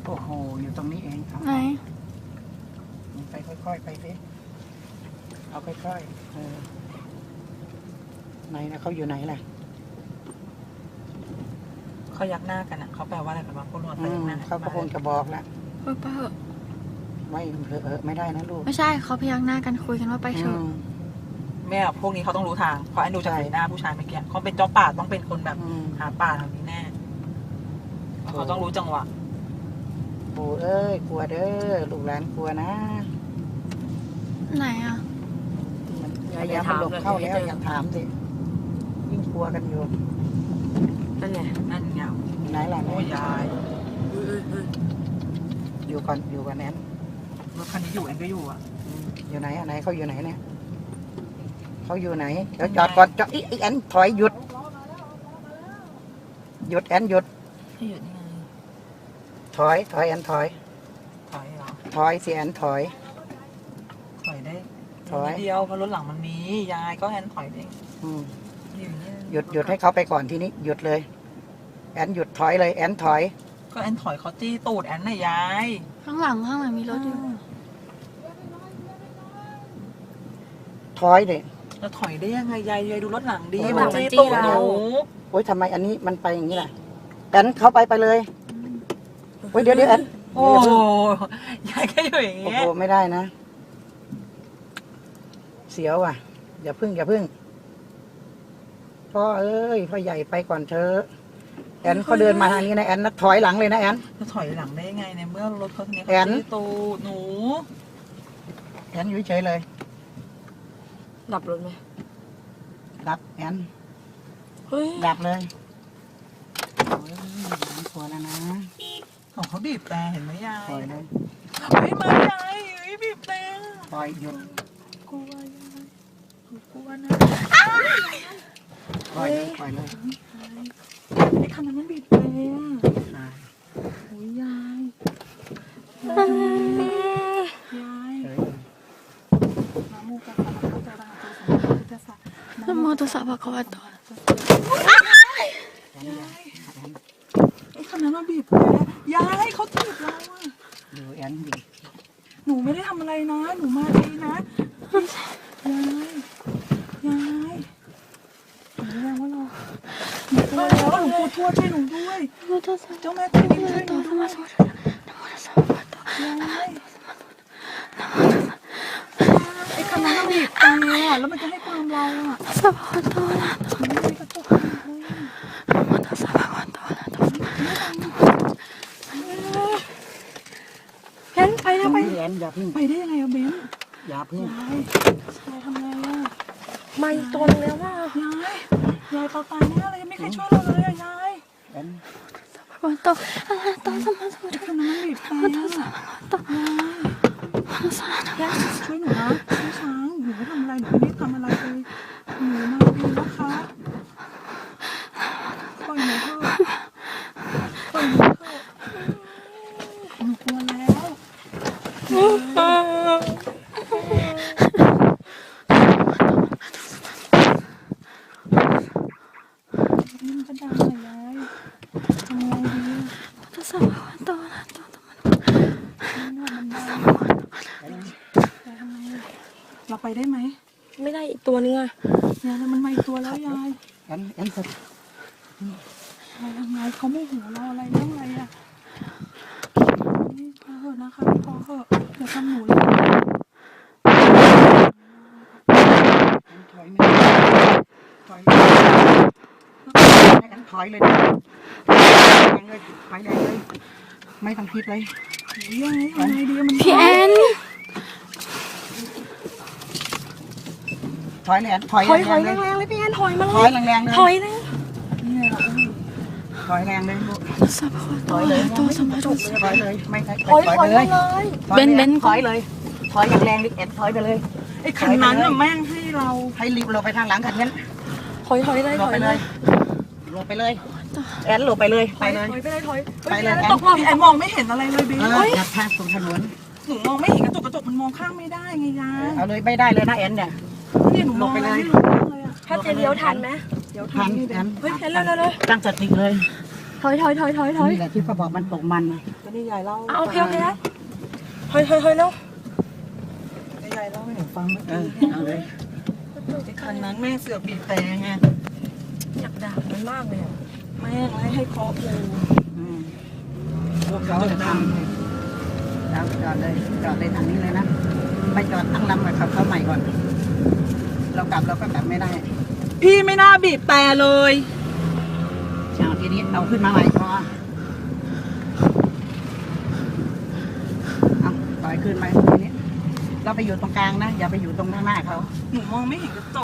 โอ้โหอยู่ตรงนี้เองครับไหนไปค่อยๆไปสิเอาค่อยๆไหนนะเขาอยู่ไหนล่ะเขายักหน้ากันอ่ะเขาแปลว่าอะไรกันวะพวกเรายักหน้าเขาก็คงจะบอกแล้วไปเถอะไม่ไม่ได้นะลูกไม่ใช่เขาพยักหน้ากันคุยกันว่าไปเถอะแม่พวกนี้เขาต้องรู้ทางเพราะไอ้ดูจากสีหน้าผู้ชายเมื่อกี้เขาเป็นเจ้าป่าต้องเป็นคนแบบหาป่าทางนี้แน่เขาต้องรู้จังหวะปู่เอ้ยกลัวเด้อลูกหลานกลัวนะไหนอ่ะพยายามมันหลบเข้าแล้วอย่าถามสิยิ่งกลัวกันอยู่นั่นไงนั่นไงไหนล่ะโอ้ยยายอยู่ก่อนแอนรถคันนี้อยู่แอนก็อยู่อ่ะอยู่ไหนไหนเขาอยู่ไหนเนี่ยเขาอยู่ไหนเดี๋ยวจอดก่อนจอดอีแอนถอยหยุดแอนหยุดที่อยู่นี่ไงถอยแอนถอยถอยเหรอถอยสิแอนถอยถอยได้ถอยนิดเดียวเพราะรถหลังมันมียายก็แอนถอยเองอืมอยู่นี่หยุดให้เขาไปก่อนทีนี้หยุดเลยแอนหยุดถอยเลยแอนถอยก็แอนถอยเขาจี้ตูดแอนน่ะยายข้างหลังมีรถอยู่ถอยเลยจะถอยได้ยังไงยายดูรถหลังดีโอ้ยมันจี้ตูดหนูโอ๊ยทำไมอันนี้มันไปอย่างนี้ล่ะแอนเข้าไปเลยโอ๊ยเดี๋ยวแอนโอ้ยายแค่อยู่อย่างโอ้เงี้ยโหไม่ได้นะเสียวอ่ะอย่าพึ่งพ่อเอ้ยพ่อใหญ่ไปก่อนเถอะแอนเขาเดินมาทางนี้นะแอนนัดถอยหลังเลยนะแอนจะถอยหลังได้ยังไงในเมื่อรถเขาเนี้ยแอเขานจี้ตูดหนูแอนอยู่เฉยเลยดับรถไหมดับแอนเฮ้ยดับเลยโอ้ยน้ำกลัวแล้วนะของเขาบีบแต่เห็นไหมยายปล่อยเลยเฮ้ยมายายเฮ้ยบีบแต่ปล่อยหยุดกลัวยายกลัวนะปล่อยเลยไอ้คันนั้นมันบีบแต่อ่าโอ้ยยายยายเฉยเลยน้ำมูกกระสับกระส่ายกระสับน้ำมอเตอร์ไซค์เขาว่าต่อแอนอย่าแอนไอ้คันนั้นมันบีบแต่ยายเขาถีบเราอะดูแอนดิหนูไม่ได้ทำอะไรนะหนูมาดีนะยายหนูแรงว่าเราหนูกลัวแล้วหลวงปู่ทวดช่วยหนูด้วยมอเตอร์ไซค์เจ้าแม่ตีช่วยหนูต่อด้วยน้ำมอเตอร์ไซค์ต่อยายไอ้คันนั้นมันบีบแต่อะแล้วมันจะให้ความเราอะสะพานต่อนะมันไม่ได้กระจกเลยมอเตอร์ไซค์ต่อนะเบนไปอะไปแอนอย่าพึ่งไปได้ยังไงอะเบนอย่าพึ่งยายทำไงอะไม่ตนแล้วว่ายายเปาตายแน่เลยยังไม่เคยช่วยเราเลยอะยายแอนต่อต่อสมาธิไอ้คันนั้นมันบีบแต่อะต่อมอเตอร์ไซค์ช่วยหนูนะพี่ช้างหนูไม่ทำอะไรหนูไม่ได้ทำอะไรเลยหนูมาดีนะคะปล่อยหนูเถอะปล่อยหนูเถอะหนูกลัวแล้วนี่มันก็ดังเลยยายทำไงดีมอเตอร์ไซค์ต่อนะต่อมันดังยายทำไงเราไปได้ไหมไม่ได้อีกตัวนึงอะยายแล้วมันมาอีกตัวแล้วยายแอนสุดยายทำไงเขาไม่หัวเราอะไรเรื่องอะไรอ่ะพอเหอะนะคะพอเหอะอย่าทำหนูเลยถอยไม่ถอยแอนถอยเลยไปเลยไม่ต้องคิดเลยยังไงทำไงดีมันพี่แอนถอยเลยแอนถอยถอยแรงๆแรเลยงๆเลยพี่แอนถอยมาเลถอยยแรงๆเลยถอยเลยนี่ไงล่ะถอยแรงเลยลูกสะพานต่อต่อสมาธิถอยเลยไม่ถอยไปมาเลยเลยเบนถอยเลยถอยอย่างแรงดิแอนถอยไปเลยไอ้คันนั้นน่ะแม่งให้เราให้รีบหลบไปทางหลังคันนั้นถอยเลยหลถบอยไปเลเลย ยหลบไปเลยแอนหลบไปเลยไปเลยถอยไปเลยถอยไปเลยตกพี่แอนมองไม่เห็นอะไรเลยเบนจับทางตรงถนนหนูมองไม่เห็นกระจกมันมองข้างไม่ได้ไงยายเอาเลยไม่ได้เลยนะแอนเนี่ยนี่หนูมองอะไรไม่รู้เลยอ่ะถ้าจะเลี้ยวทันไหมเดี๋ยวทันนี่แอนเฮ้ยแอนเร็วตั้งสติเลยถอยนี่แหละที่เขาบอกมันตกมันรก็นี่ยายเล่าเอาโอเคแล้วถอยแล้วยายเล่าให้หนูฟังเมื่อเอกี้อเอาเลยคันนั้นแม่เสือกบีบแต่ไงอยากด่ามันมากเลยอ่ะแม่งให้เคาะปูอืมพวกเขาจะทำแล้วจอดเลยทางนี้เลยนะไปจอดตั้งลำกับเขาใหม่ก่อน เรากลับเราก็กลับไม่ได้พี่ไม่น่าบีบแต่เลยเอาทีนี้เอาขึ้นมาใหม่พอเอาปล่อยขึ้นไปทีนี้เราไปอยู่ตรงกลางนะอย่าไปอยู่ตรงข้างหน้าเขาหนูมองไม่เห็นกระจก